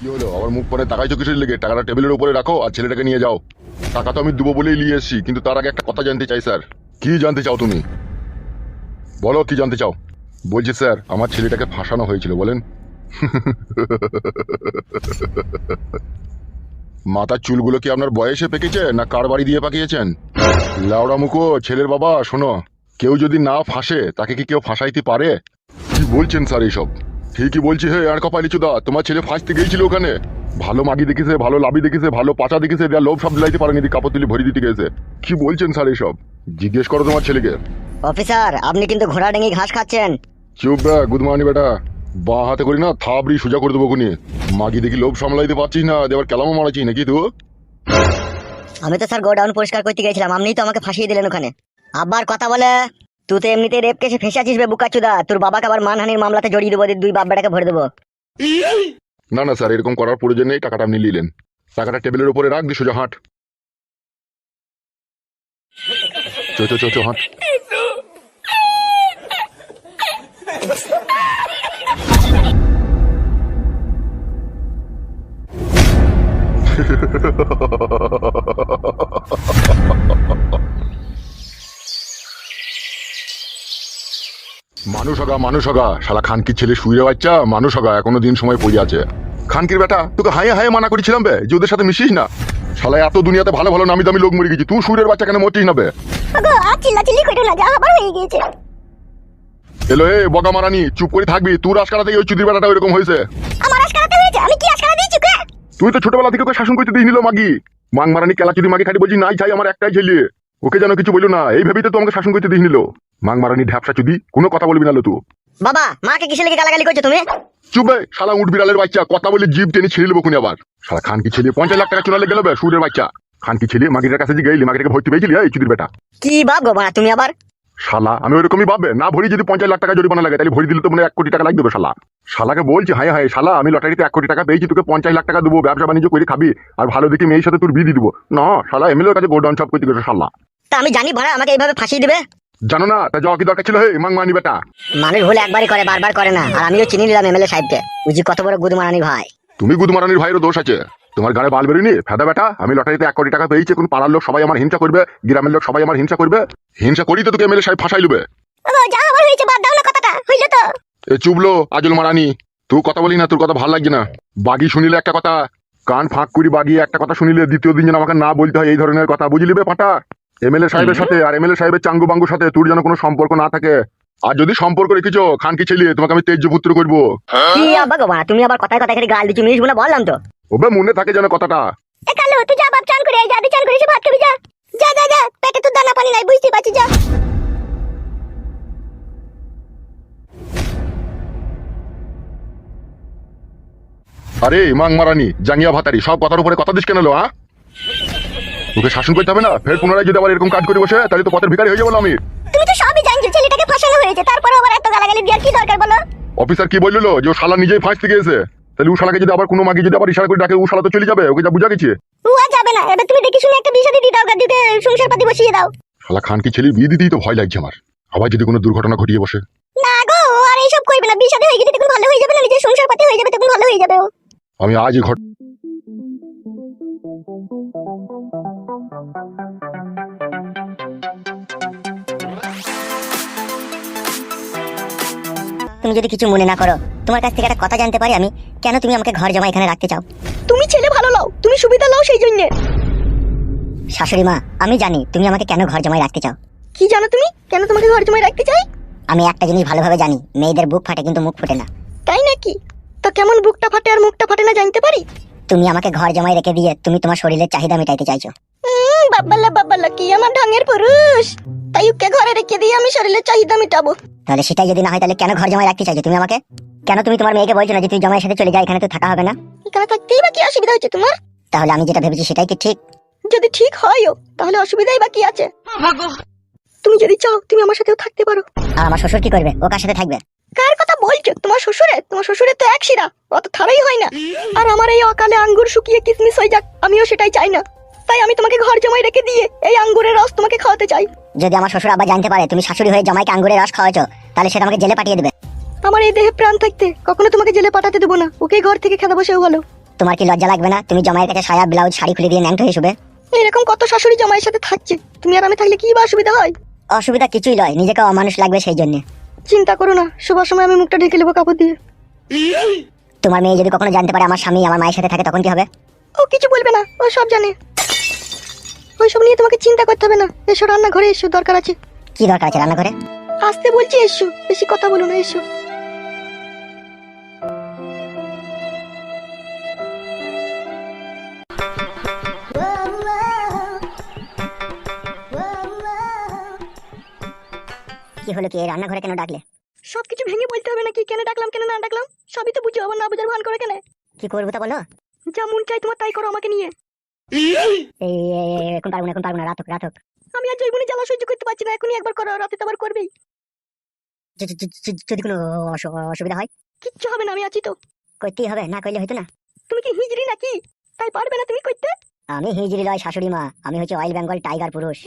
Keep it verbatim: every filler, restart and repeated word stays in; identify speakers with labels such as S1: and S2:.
S1: কি হলো আমার মুখ পরে তাকাইছো কিসের লেগে? টাকাটা টেবিলের উপরে রাখো আর ছেলেটাকে নিয়ে যাও। টাকা তো আমি দেবো বলেই নিয়ে এসেছি, কিন্তু তার আগে একটা কথা জানতে চাই স্যার। কি জানতে চাও তুমি? বলো কি জানতে চাও। বলছি স্যার, আমার ছেলেটাকে ফাঁসানো হয়েছিল বলেন। মাথার চুলগুলো কি আপনার বয়সে পেকেছে না কার বাড়ি দিয়ে পাকিয়েছেন? লাউড়া মুখো ছেলের বাবা, শোনো, কেউ যদি না ফাঁসে তাকে কি কেউ ফাঁসাইতে পারে? কি বলছেন স্যার এইসব? ঠিকই বলছি হে আর কপালি চুদা, তোমার ছেলে ফাঁসতে গিয়েছিল ওখানে। ভালো মাগি দেখেছে, ভালো লাভি দেখেছে, ভালো পাচা দেখেছে, দেয়া লোভ সব দিলাইতে পারেনি, কাপড় তুলি ভরি দিতে গেছে। কি বলছেন স্যার এইসব? জিজ্ঞেস করো তোমার ছেলেকে।
S2: অফিসার, আপনি কিন্তু ঘোড়া ডেঙ্গি ঘাস খাচ্ছেন।
S1: চুপ বে গুদমানি বেটা, বা হাতে করি না থাবড়ি সোজা করে দেবো কোনি। মাগি দেখি লোভ সামলাইতে পারছিস না, দেবার কেলামও মারাচ্ছিস নাকি তুই?
S2: আমি তো স্যার গোডাউন পরিষ্কার করতে গেছিলাম, আপনিই তো আমাকে ফাঁসিয়ে দিলেন ওখানে। আবার কথা বলে, তুই তো এমনিতে রেপ কেসে ফেসে আছিস বে বুকাচুদা। তোর বাবাকে আবার মানহানির মামলাতে জড়িয়ে দেবো, দুই বাপ বেটাকে ভরে দেবো।
S1: না না স্যার, এরকম করার প্রয়োজন নেই, টাকাটা আপনি নিলেন। টাকাটা টেবিলের উপরে রাখ দি, সোজা হাঁট। চো চো চো চো হাঁট। মানুষ হগা মানুষ হগা, শালা খানকির ছেলে শুয়ে বাচ্চা মানুষ হগা, এখনো দিন সময় পড়ে আছে। খানকির বেটা, তোকে হাইয়ে হাইয়ে মানা করেছিলাম বে যে ওদের সাথে মিশিস না। শালা এত দুনিয়াতে ভালো ভালো নামি দামি লোক মরে গেছি, তুই সুরের বাচ্চা কেন মরছিস না বে?
S3: আগো আর চিল্লাচিল্লি কইরো না, যা আবার হয়ে গিয়েছে।
S1: এলো এ বগা মারানি, চুপ করে থাকবি। তুই রাজকারাতে ওই চুদির বেটাটা এরকম হয়েছে।
S3: আমার আজকারাতে হয়েছে? আমি কি আজকারা দিয়েছি কে?
S1: তুই তো ছোটবেলা থেকে ওকে শাসন করতে দিয়ে নিল মাগি। মাং মারানি কেলা চুদি মাগি খাটি বলছি নাই চাই আমার একটাই ছেলে, ওকে যেন কিছু বললো না, এই ভেবেই তো আমাকে শাসন করতে দিয়ে নিল। মাং মারানি ঢ্যাপসা চুদি, কোনো কথা বলবি না লো তুই।
S2: বাবা, মাকে কিসে লেগে গালাগালি করছো তুমি?
S1: চুপ বে শালা উঠ বিড়ালের বাচ্চা, কথা বলে জিভ টেনে ছিঁড়ে নেবো কোনি আবার। শালা খানকি ছেলে পঞ্চাশ লাখ টাকা চুনালে গেল বে সুরের বাচ্চা। খানকি ছেলে মাগিটার কাছে যে গেলি, মাগিটাকে ভর্তি পেয়েছিলি এই চুদির বেটা।
S2: কি বাপ গো মা তুমি আবার?
S1: শালা আমি ওইরকমই ভাববে না, ভরি যদি পঞ্চাশ লাখ টাকা জরিমানা লাগে তাহলে ভরি দিলে তো মনে এক কোটি টাকা লাগবে শালা। শালাকে বলছি হাই হাই শালা, আমি লটারিতে এক কোটি টাকা পেয়েছি, তোকে পঞ্চাশ লাখ টাকা দেবো, ব্যবসা বাণিজ্য করে খাবি আর ভালো দেখি মেয়ের সাথে তোর বিয়ে দিয়ে দিবো না। শালা এমএলএর কাছে গোডাউন সব করতে গেছে শালা।
S2: তা আমি জানি ভাড়া আমাকে এইভাবে ফাঁসিয়ে দিবে?
S1: জানো না তা যাওয়া কি দরকার ছিল? হে মাং মানি বেটা,
S2: মানুষ ভুল একবারই করে, বারবার করে না। আর আমিও চিনি নিলাম এমএলএ সাহেবকে, বুঝি কত বড় গুদমারানি ভাই।
S1: তুমি গুদমারানির ভাইয়েরও দোষ আছে, তোমার গানে বাল বেরোয়নি ফেদা বেটা। আমি লটারিতে এক কোটি টাকা পেয়েছি, কোন পাড়ার লোক সবাই আমার হিংসা করবে, গ্রামের লোক সবাই আমার হিংসা করবে। হিংসা করি তো তোকে এমএলএ সাহেব ফাঁসাই লুবে।
S3: আগো যা আবার হয়েছে, বাদ দাও না, কথাটা হইলো তো।
S1: এ চুবলো আজল মারানি, তুই কথা বলি না, তোর কথা ভাল লাগছে না। বাগি শুনিলে একটা কথা, কান ফাঁক করি বাগিয়ে একটা কথা শুনিলে দ্বিতীয় দিন যেন আমাকে না বলতে হয় এই ধরনের কথা, বুঝলি বে পাটা? এমএলএ সাহেবের সাথে আর এমএলএ সাহেবের চাঙ্গু বাঙ্গুর সাথে তোর যেন কোনো সম্পর্ক না থাকে। আর যদি সম্পর্ক রেখেছো খানকি ছেলে, তোমাকে আমি তেজ্য পুত্র করবো।
S2: কি আব্বা গো মা, তুমি আবার কথায় কথায় খালি গাল দিচ্ছ, মিনিস বলে বললাম তো।
S1: ওবে মনে থাকে যেন কথাটা।
S3: এ কালো, তুই যা বাপ, চান করে আয়, যা দি চান করে এসে ভাত খাবি, যা যা যা যা, পেটে তো দানা পানি নাই, বুঝতে পারছিস, যা।
S1: আরে মাং মারানি জাঙ্গিয়া ভাতারি, সব কথার উপরে কথা দিস কেন লো? হ্যাঁ, তোকে শাসন করতে হবে না? ফের পুনরায় যদি আবার এরকম কাজ করে বসে তাহলে তো পথের ভিখারি হয়ে যাবো আমি।
S3: তুমি তো সবই জানছো, ছেলেটাকে ফাঁসানো হয়েছে, তারপরে আবার এত গালাগালি দেওয়ার কি দরকার বলো?
S1: অফিসার কি বললো যে ও শালা নিজেই ফাঁসতে গিয়েছে, তাহলে ও শালাকে যদি আবার কোনো মাগি যদি আবার ইশারা করে ডাকে, ও শালা তো চলে যাবে, ওকে যা বুঝা গেছে।
S3: ও আর যাবে না, এবার তুমি দেখে শুনে একটা বিয়ে শাদী দিয়ে দাও, গাদিতে সংসার পাতি বসিয়ে দাও।
S1: শালা খানকি ছেলে বিয়ে দিতেই তো ভয় লাগছে আমার, আবার যদি কোনো দুর্ঘটনা ঘটিয়ে বসে।
S3: না গো, ও আর এইসব করবে না, বিয়ে শাদী হয়ে গেছে তখন ভালো হয়ে যাবে না, নিজের সংসার পাতি হয়ে যাবে তখন ভালো হয়ে যাবে ও।
S1: আমি আজই ঘট
S2: তুমি যদি কিছু মনে না করো, তোমার কাছ থেকে একটা কথা জানতে পারি আমি? কেন তুমি আমাকে ঘর জমা এখানে রাখতে চাও?
S3: তুমি ছেলে ভালো লাও, তুমি সুবিধা লাও সেই জন্য।
S2: শাশুড়ি মা, আমি জানি তুমি আমাকে কেন ঘর জমায় রাখতে চাও।
S3: কি জানো তুমি কেন তোমাকে ঘর জমায় রাখতে চাই?
S2: আমি একটা জিনিস ভালোভাবে জানি, মেয়েদের বুক ফাটে কিন্তু মুখ ফুটে না।
S3: তাই নাকি? তো কেমন বুকটা ফাটে আর মুখটা ফাটে না জানতে পারি?
S2: তুমি আমাকে ঘর জমায় রেখে দিয়ে তুমি তোমার শরীরের চাহিদা মেটাইতে চাইছো।
S3: হুম, বাবাল্লা বাবাল্লা, কি আমার ঢঙের পুরুষ! তাই ওকে ঘরে রেখে দিয়ে আমি শরীরের চাহিদা মেটাবো?
S2: তাহলে সেটাই যদি না হয়, তাহলে কেন ঘর জমায় রাখতে চাইছো তুমি আমাকে? কেন তুমি তোমার মেয়েকে বলছো না যে তুই জমায়ের সাথে চলে যা, এখানে তো থাকা হবে না?
S3: এখানে থাকতেই বা কি অসুবিধা হচ্ছে তোমার?
S2: তাহলে আমি যেটা ভেবেছি সেটাই কি ঠিক?
S3: যদি ঠিক হয়ও তাহলে অসুবিধাই বা কি আছে? তুমি যদি চাও তুমি আমার সাথেও থাকতে পারো।
S2: আর আমার শ্বশুর কি করবে? ও কার সাথে থাকবে?
S3: কার কথা বলছো? তোমার শ্বশুরে? তোমার শ্বশুরে তো এক শিরা, অত থারাই হয় না। আর আমার এই অকালে আঙ্গুর শুকিয়ে কিসমিস হয়ে যাক, আমিও সেটাই চাই না। তাই আমি তোমাকে ঘর জমায় রেখে দিয়ে এই আঙ্গুরের রস তোমাকে খাওয়াতে চাই।
S2: যদি আমার শ্বশুর আবার জানতে পারে তুমি শাশুড়ি হয়ে জামাইকে আঙ্গুরের রস খাওয়াছো, তাহলে সেটা আমাকে জেলে পাঠিয়ে দেবে।
S3: আমার এই দেহে প্রাণ থাকতে কখনো তোমাকে জেলে পাঠাতে দেবো না, ওকে ঘর থেকে খেতে বসেও ভালো।
S2: তোমার কি লজ্জা লাগবে না? তুমি জামাইয়ের কাছে সায়া ব্লাউজ শাড়ি খুলে দিয়ে ন্যাংটো হয়ে শুবে।
S3: এরকম কত শাশুড়ি জামাইয়ের সাথে থাকছে, তুমি আর আমি থাকলে কি বা অসুবিধা হয়?
S2: অসুবিধা কিছুই নয়, নিজেকে অমানুষ লাগবে সেই জন্য।
S3: চিন্তা করো না, শোবার সময় আমি মুখটা ঢেকে নেবো কাপড় দিয়ে।
S2: তোমার মেয়ে যদি কখনো জানতে পারে আমার স্বামী আমার মায়ের সাথে থাকে তখন কি হবে?
S3: ও কিছু বলবে না, ও সব জানে। ওইসব নিয়ে তোমাকে চিন্তা করতে হবে না। এসো রান্নাঘরে এসো, দরকার আছে।
S2: কি দরকার আছে রান্নাঘরে?
S3: আসতে বলছি, এসো, বেশি কথা বলো না, এসো।
S2: কি হলো কি, এই রান্নাঘরে কেন ডাকলে?
S3: সবকিছু ভেঙে বলতে হবে নাকি কেন ডাকলাম কেন না ডাকলাম? সবই তো বুঝো, আবার না বুঝার ভান করে কেন?
S2: কি করবো তা বলো।
S3: যা মন চাই তোমার তাই করো আমাকে নিয়ে।
S2: এই এই, এই, এখন পারবো না, এখন পারবো না, রাত হোক রাত হোক।
S3: আমি আর জৈবনে জ্বালা সহ্য করতে পারছি না, এখনই একবার করো, রাতে তো আবার করবেই।
S2: য- য- য- যদি কোনো অসু- অসুবিধা হয়
S3: কিচ্ছু হবে না, আমি আছি তো।
S2: করতেই হবে, না করলে হয়তো না।
S3: তুমি কি হিজড়ি নাকি? তাই পারবে না তুমি করতে?
S2: আমি হিজড়ি লয় শাশুড়ি মা, আমি হচ্ছে অয়েল বেঙ্গল টাইগার পুরুষ।